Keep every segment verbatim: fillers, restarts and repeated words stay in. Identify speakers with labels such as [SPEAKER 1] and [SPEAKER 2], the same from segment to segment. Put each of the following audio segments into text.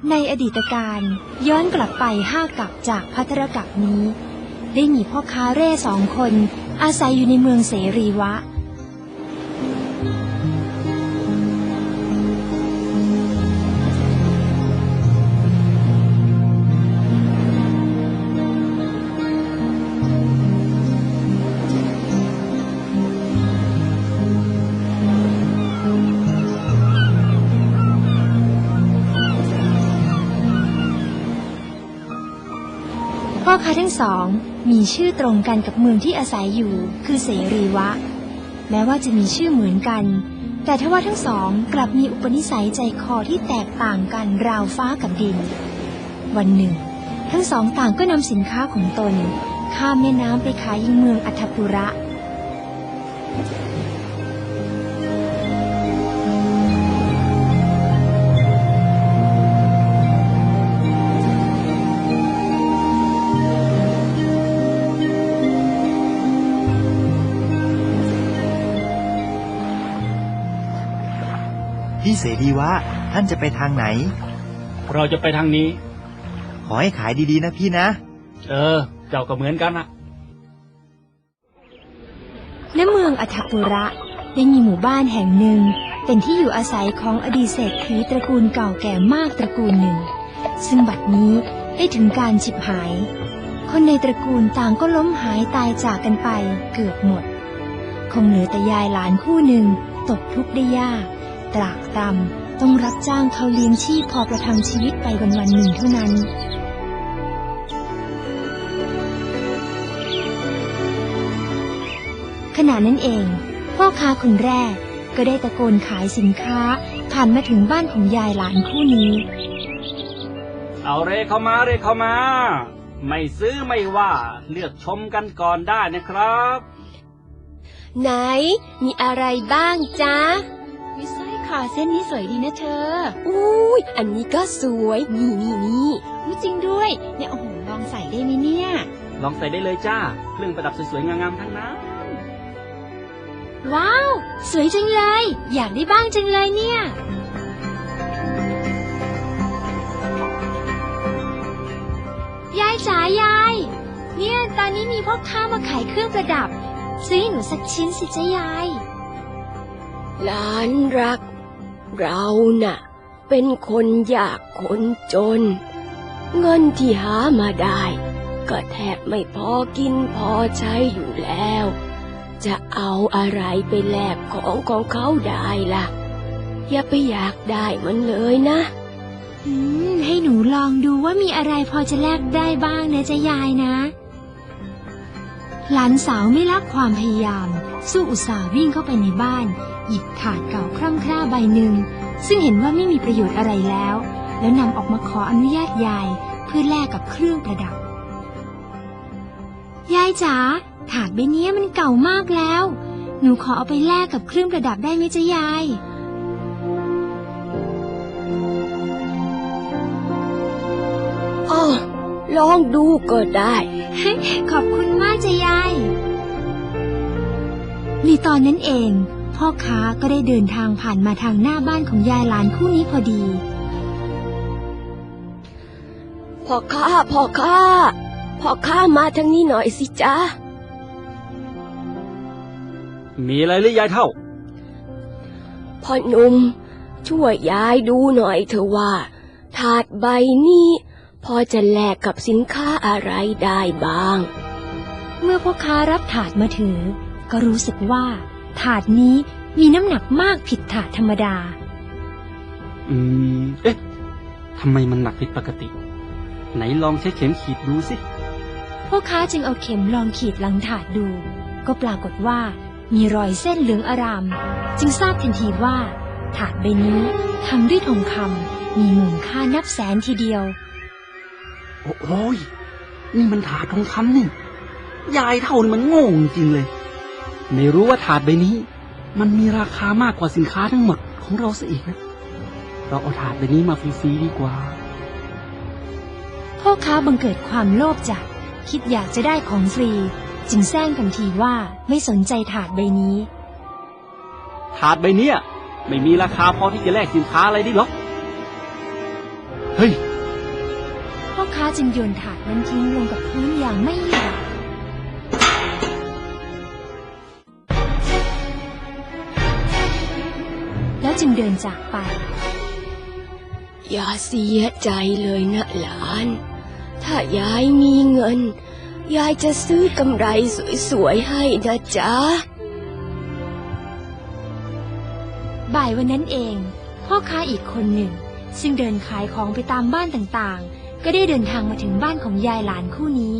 [SPEAKER 1] ในอดีตการย้อนกลับไปห้ากัปจากภัทรกัปนี้ได้มีพ่อค้าเร่สองคนอาศัยอยู่ในเมืองเสรีวะพ่อค้าทั้งสองมีชื่อตรงกันกับเมืองที่อาศัยอยู่คือเสรีวะแม้ว่าจะมีชื่อเหมือนกันแต่ทว่าทั้งสองกลับมีอุปนิสัยใจคอที่แตกต่างกันราวฟ้ากับดินวันหนึ่งทั้งสองต่างก็นำสินค้าของตนข้ามแม่น้ำไปขายยังเมืองอัฏฐปุระ
[SPEAKER 2] พี่เสรีวะท่านจะไปทางไหน
[SPEAKER 3] เราจะไปทางนี้
[SPEAKER 2] ขอให้ขายดีๆนะพี่นะ
[SPEAKER 3] เออเจ้าก็เหมือนกันนะ
[SPEAKER 1] ณเมืองอัฏฐปุระได้มีหมู่บ้านแห่งหนึ่งเป็นที่อยู่อาศัยของอดีตเศรษฐีตระกูลเก่าแก่มากตระกูลหนึ่งซึ่งบัดนี้ได้ถึงการฉิบหายคนในตระกูลต่างก็ล้มหายตายจากกันไปเกือบหมดคงเหลือแต่ยายหลานคู่หนึ่งตกทุกข์ได้ยากตรากตรำต้องรับจ้างเขาเลี้ยงชีพพอประทังชีวิตไปวันวันหนึ่งเท่านั้นขณะนั้นเองพ่อค้าคนแรกก็ได้ตะโกนขายสินค้าผ่านมาถึงบ้านของยายหลานคู่นี้
[SPEAKER 3] เอาเรเข้ามาเรเข้ามาไม่ซื้อไม่ว่าเลือกชมกันก่อนได้นะครับ
[SPEAKER 4] ไหนมีอะไรบ้างจ๊ะ
[SPEAKER 1] วิสร้อยคอเส้นนี้สวยดีนะเธอ
[SPEAKER 4] อุ้ยอันนี้ก็สวยนี่นี่นี่
[SPEAKER 1] จริงด้วยเนี่ยโอ้โหลองใส่ได้ไหมเนี่ย
[SPEAKER 3] ลองใส่ได้เลยจ้าเครื่องประดับสวยๆงามๆทั้งนั้น
[SPEAKER 1] ว้าวสวยจังเลยอยากได้บ้างจังเลยเนี่ยยายจ๋ายายเนี่ยตอนนี้มีพ่อค้ามาขายเครื่องประดับซื้อให้หนูสักชิ้นสิจ๊ะยาย
[SPEAKER 4] หลานรักเราน่ะเป็นคนยากคนจนเงินที่หามาได้ก็แทบไม่พอกินพอใช้อยู่แล้วจะเอาอะไรไปแลกของของเขาได้ล่ะอย่าไปอยากได้มันเลยนะ
[SPEAKER 1] อืมให้หนูลองดูว่ามีอะไรพอจะแลกได้บ้างนะจ๊ะยายนะหลานสาวไม่ละความพยายามสู้อุตส่าห์วิ่งเข้าไปในบ้านหยิบถาดเก่าคร่ำคร่าใบหนึ่งซึ่งเห็นว่าไม่มีประโยชน์อะไรแล้วแล้วนำออกมาขออนุญาตยายเพื่อแลกกับเครื่องประดับยายจ๋าถาดใบนี้มันเก่ามากแล้วหนูขอเอาไปแลกกับเครื่องประดับได้ไหมจ๊ะยาย
[SPEAKER 4] อ๋อลองดูก็ได้
[SPEAKER 1] ขอบคุณมากจ๊ะยายในตอนนั้นเองพ่อค้าก็ได้เดินทางผ่านมาทางหน้าบ้านของยายหลานคู่นี้พอดี
[SPEAKER 4] พ่อค้าพ่อค้าพ่อค้ามาทางนี้หน่อยสิจ๊ะ
[SPEAKER 3] มีอะไรหรือยายเท่า
[SPEAKER 4] พ่อหนุ่มช่วยยายดูหน่อยเถอะว่าถาดใบนี้พอจะแลกกับสินค้าอะไรได้บ้าง
[SPEAKER 1] เมื่อพ่อค้ารับถาดมาถือก็รู้สึกว่าถาดนี้มีน้ำหนักมากผิดถาดธรรมดา
[SPEAKER 3] อืมเอ๊ะทำไมมันหนักผิดปกติไหนลองใช้เข็มขีดดูสิ
[SPEAKER 1] พ่อค้าจึงเอาเข็มลองขีดหลังถาดดูก็ปรากฏว่ามีรอยเส้นเหลืองอารามจึงทราบทันทีว่าถาดใบนี้ทำด้วยทองคำมีมูลค่านับแสนทีเดียว
[SPEAKER 3] โอ้ยนี่มันถาดทองคำนี่ยายเท่านี่มันโง่จริงเลยไม่รู้ว่าถาดใบนี้มันมีราคามากกว่าสินค้าทั้งหมดของเราซะอีกนะเราเอาถาดใบนี้มาฟรีๆดีกว่า
[SPEAKER 1] พ่อค้าบังเกิดความโลภจัดคิดอยากจะได้ของฟรีจึงแซงทันทีว่าไม่สนใจถาดใบนี้
[SPEAKER 3] ถาดใบนี้ไม่มีราคาพอที่จะแลกสินค้าอะไรได้หรอกเฮ้ย
[SPEAKER 1] พ่อค้าจึงโยนถาดนั้นทิ้งลงกับพื้นอย่างไม่หยุดแล้วจึงเดินจากไป
[SPEAKER 4] อย่าเสียใจเลยนะหลาน ถ้ายายมีเงิน ยายจะซื้อกำไรสวยๆให้นะจ๊ะ
[SPEAKER 1] บ่ายวันนั้นเองพ่อค้าอีกคนหนึ่งซึ่งเดินขายของไปตามบ้านต่างๆก็ได้เดินทางมาถึงบ้านของยายหลานคู่นี้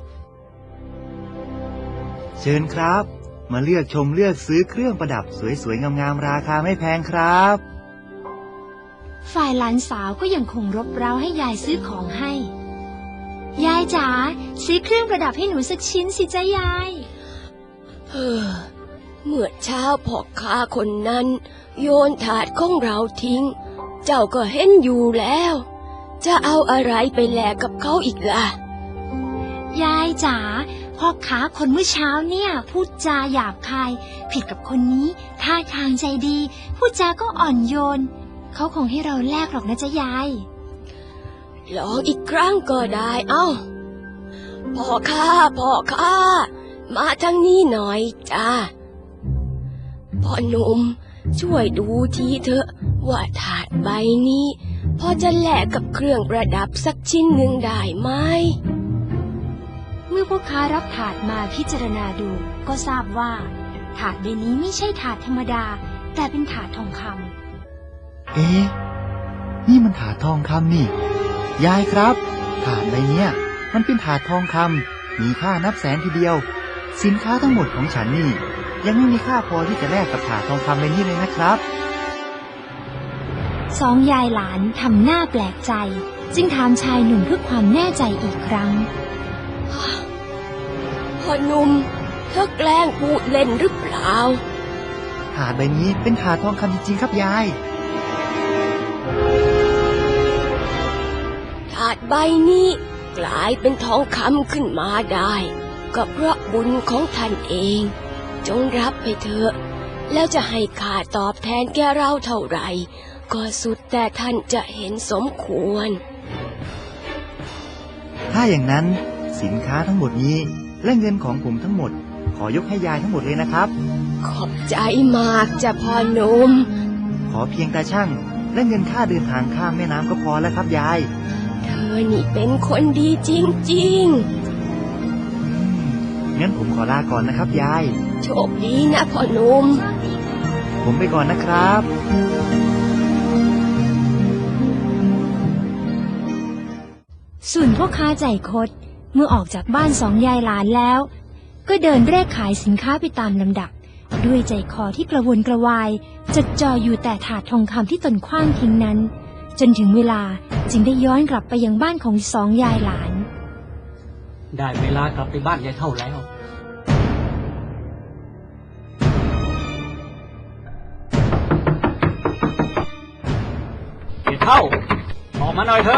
[SPEAKER 2] เชิญครับ มาเลือกชมเลือกซื้อเครื่องประดับสวยๆงามๆราคาไม่แพงครับ
[SPEAKER 1] ฝ่ายหลานสาวก็ยังคงรบเร้าให้ยายซื้อของให้ ยายจ๋าซื้อเครื่องประดับให้หนูสักชิ้นสิจ๊ะยาย
[SPEAKER 4] เฮ้อเมื่อเช้าพ่อค้าคนนั้นโยนถาดของเราทิ้ง เจ้าก็เห็นอยู่แล้ว จะเอาอะไรไปแลกกับเขาอีกล่ะ
[SPEAKER 1] ยายจ๋าพ่อค้าคนเมื่อเช้าเนี่ยพูดจาหยาบคาย ผิดกับคนนี้ท่าทางใจดีพูดจาก็อ่อนโยนเขาคงให้เราแลกหรอกนะจ๊ะยาย
[SPEAKER 4] ลองอีกครั้งก็ได้เอ้าพ่อค้าพ่อค้ามาทางนี้หน่อยจ้าพ่อหนุ่มช่วยดูทีเถอะว่าถาดใบนี้พอจะแลกกับเครื่องประดับสักชิ้นหนึ่งได้ไหม
[SPEAKER 1] เมื่อพ่อค้ารับถาดมาพิจารณาดูก็ทราบว่า ถาดใบนี้ไม่ใช่ถาดธรรมดา แต่เป็นถาดทองคำ
[SPEAKER 2] เอ๊ะนี่มันถาดทองคำนี่ ยายครับ ถาดใบเนี้ยมันเป็นถาดทองคำมีค่านับแสนทีเดียว สินค้าทั้งหมดของฉันนี่ ยังไม่มีค่าพอที่จะแลกกับถาดทองคำใบนี้เลยนะครับ
[SPEAKER 1] สองยายหลานทำหน้าแปลกใจ จึงถามชายหนุ่มเพื่อความแน่ใจอีกครั้ง
[SPEAKER 4] พ่อหนุ่มเธอแกล้งพูดเล่นหรือเปล่า
[SPEAKER 2] ถาดใบนี้เป็นถาดทองคำจริงๆครับยาย
[SPEAKER 4] ถาดใบนี้กลายเป็นทองคำขึ้นมาได้ ก็เพราะบุญของท่านเอง จงรับไปเถอะ แล้วจะให้ข้าตอบแทนแกเราเท่าไหร่ ก็สุดแต่ท่านจะเห็นสมควร
[SPEAKER 2] ถ้าอย่างนั้นสินค้าทั้งหมดนี้และเงินของผมทั้งหมด ขอยกให้ยายทั้งหมดเลยนะครับ
[SPEAKER 4] ขอบใจมากจ้ะพ่อหนุ่ม
[SPEAKER 2] ขอเพียงตาช่างและเงินค่าเดินทางข้ามแม่น้ำก็พอแล้วครับยาย
[SPEAKER 4] เธอนี่เป็นคนดีจริง
[SPEAKER 2] งั้นผมขอลาก่อนนะครับยาย
[SPEAKER 4] ๆ โชคดีนะพ่อหนุ่ม
[SPEAKER 2] ผมไปก่อนนะครับ
[SPEAKER 1] ส่วนพ่อค้าใจคดเมื่อออกจากบ้านสองยายหลานแล้ว ก็เดินเร่ขายสินค้าไปตามลำดับ ด้วยใจคอที่กระวนกระวายจดจ่ออยู่แต่ถาดทองคำที่ตนขว้างทิ้งนั้น จนถึงเวลาจึงได้ย้อนกลับไปยังบ้านของสองยายหลาน
[SPEAKER 3] ได้เวลากลับไปบ้านยายเท่าแล้วยายเท่าออกมาหน่อยเถอะ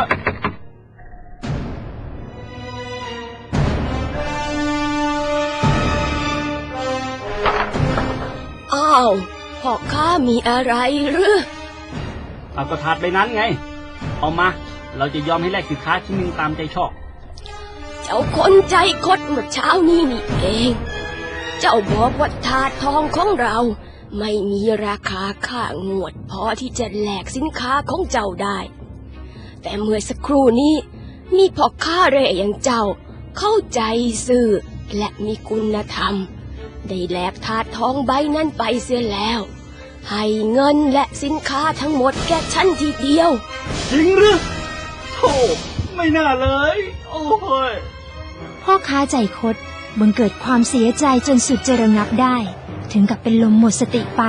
[SPEAKER 4] อ้าวพ่อค้ามีอะไรหรือ
[SPEAKER 3] เอาก็ถาดใบนั้นไง เอามา เราจะยอมให้แลกสินค้าชิ้นหนึ่งตามใจชอบ
[SPEAKER 4] เจ้าคนใจคดเมื่อเช้านี้นี่เอง เจ้าบอกว่าถาดทองของเราไม่มีราคาค่างวดพอที่จะแลกสินค้าของเจ้าได้ แต่เมื่อสักครู่นี้มีพ่อค้าเร่อย่างเจ้าเข้าใจซื่อและมีคุณธรรม ได้แลกถาดทองใบนั้นไปเสียแล้ว ให้เงินและสินค้าทั้งหมดแก่ฉันทีเดียว
[SPEAKER 3] จริงหรือโธ่ไม่น่าเลย โอ้ย
[SPEAKER 1] พ่อค้าใจคดบังเกิดความเสียใจจนสุดจะระงับได้ ถึงกับเป็นลมหมดสติไป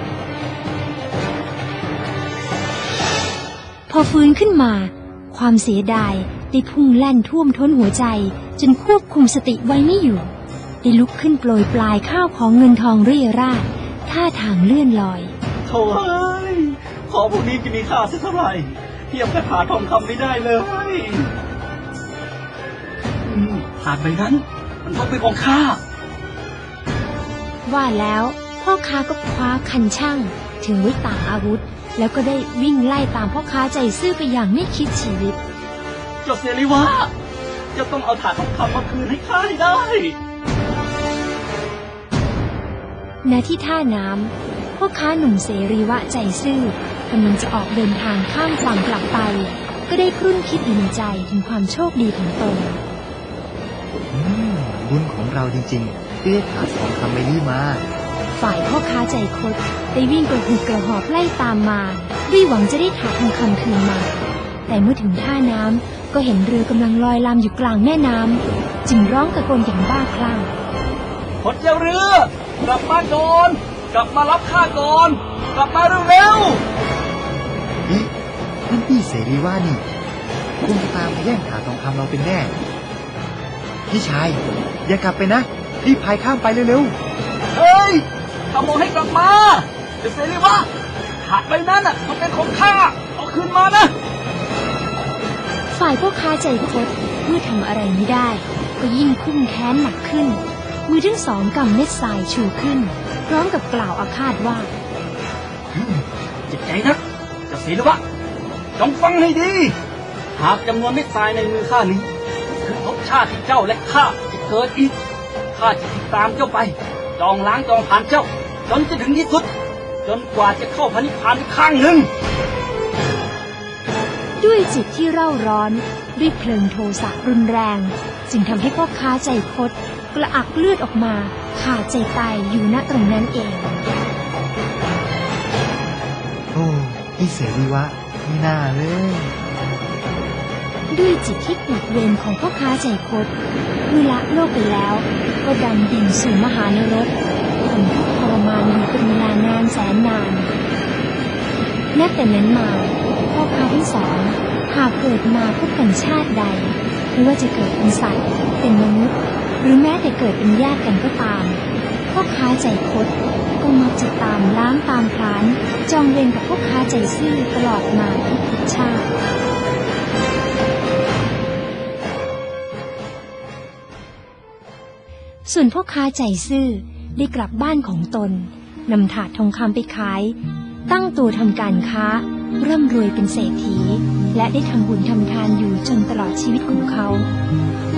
[SPEAKER 1] พอฟื้นขึ้นมา ความเสียดายได้พุ่งแล่นท่วมท้นหัวใจจนควบคุมสติไว้ไม่อยู่ได้ลุกขึ้นโปรยปลายข้าวของเงินทองเรี่ยราดท่าทางเลื่อนลอย
[SPEAKER 3] โถ่เอ้ยของพวกนี้จะมีค่าสักเท่าไหร่เทียบกับถาดทองคำไม่ได้เลยอืมถาดใบนั้น มันต้องเป็นของข้า
[SPEAKER 1] ว่าแล้วพ่อค้าก็คว้าคันช่างถือไว้ต่างอาวุธ แล้วก็ได้วิ่งไล่ตามพ่อค้าใจซื่อไปอย่างไม่คิดชีวิต
[SPEAKER 3] เจ้าเสรีวะจะต้องเอาถาดทองคำมาคืนให้ข้าให้ได้
[SPEAKER 1] ณที่ท่าน้ำพ่อค้าหนุ่มเสรีวะใจซื่อกำลังจะออกเดินทางข้ามฝั่งกลับไป ก็ได้ครุ่นคิดอยู่ในใจถึงความโชคดีของตน
[SPEAKER 2] อืมบุญของเราจริงๆที่ได้ถาดทองคำใบนี้มา
[SPEAKER 1] ฝ่ายพ่อค้าใจคดได้วิ่งกระหืดกระหอบไล่ตามมาด้วยหวังจะได้ถาดทองคำคืนมา แต่เมื่อถึงท่าน้ำก็เห็นเรือกำลังลอยลำอยู่กลางแม่น้ำจึงร้องตะโกนอย่างบ้าคลั่ง
[SPEAKER 3] คนเจ้าเรือกลับมาก่อนกลับมารับข้าก่อนกลับมาเร็ว
[SPEAKER 2] เอ๊ะนั่นพี่เสรีว่านี่คงจะตามมาแย่งถาดทองคำเราเป็นแน่ พี่ชายอย่ากลับไปนะรีบพายข้ามไปเร็ว
[SPEAKER 3] ๆเฮ้ยข้าบอกให้กลับมาเจ้าเสรีวะถาดใบนั้นน่ะมันเป็นของข้าเอาคืนมานะ
[SPEAKER 1] ฝ่ายพ่อค้าใจคดเมื่อทำอะไรไม่ได้ ก็ยิ่งคุ้มแค้นหนักขึ้น มือทั้งสองกำเม็ดทรายชูขึ้น พร้อมกับกล่าวอาฆาตว่า
[SPEAKER 3] เจ็บใจนะเจ้าเสรีวะจงฟังให้ดี หากจำนวนเม็ดทรายในมือข้านี้คือภพชาติที่เจ้าและข้าจะเกิดอีกข้าจะติดตามเจ้าไปจองล้างจองผ่านเจ้าจนจะถึงที่สุด จนกว่าจะเข้าพระนิพพานอีกครั้งหนึ่ง
[SPEAKER 1] ด้วยจิตที่เร่าร้อนด้วยเพลิงโทสะรุนแรง จึงทำให้พ่อค้าใจคดกระอักเลือดออกมาขาดใจตายอยู่ณตรงนั้นเอง
[SPEAKER 2] ๆ โอ้พี่เสรีวะไม่น่าเลย
[SPEAKER 1] ด้วยจิตที่ปวดเวรของพ่อค้าใจคดเมื่อละโลกไปแล้วก็ดำดิ่งสู่มหานรกทนทุกข์ทรมานอยู่เป็นเวลานานแสนนานนับแต่นั้นมาพ่อค้าทั้งสองหากเกิดมาพบกันชาติใดไม่ว่าจะเกิดเป็นสัตว์เป็นมนุษย์หรือแม้แต่เกิดเป็นญาติกันก็ตามพ่อค้าใจคดก็มักจะตามล้างตามพลานจองเวรกับพ่อค้าใจซื่อตลอดมาทุกชาติส่วนพ่อค้าใจซื่อได้กลับบ้านของตนนำถาดทองคำไปขายตั้งตัวทำการค้าร่ำรวยเป็นเศรษฐีและได้ทำบุญทำทานอยู่จนตลอดชีวิตของเขา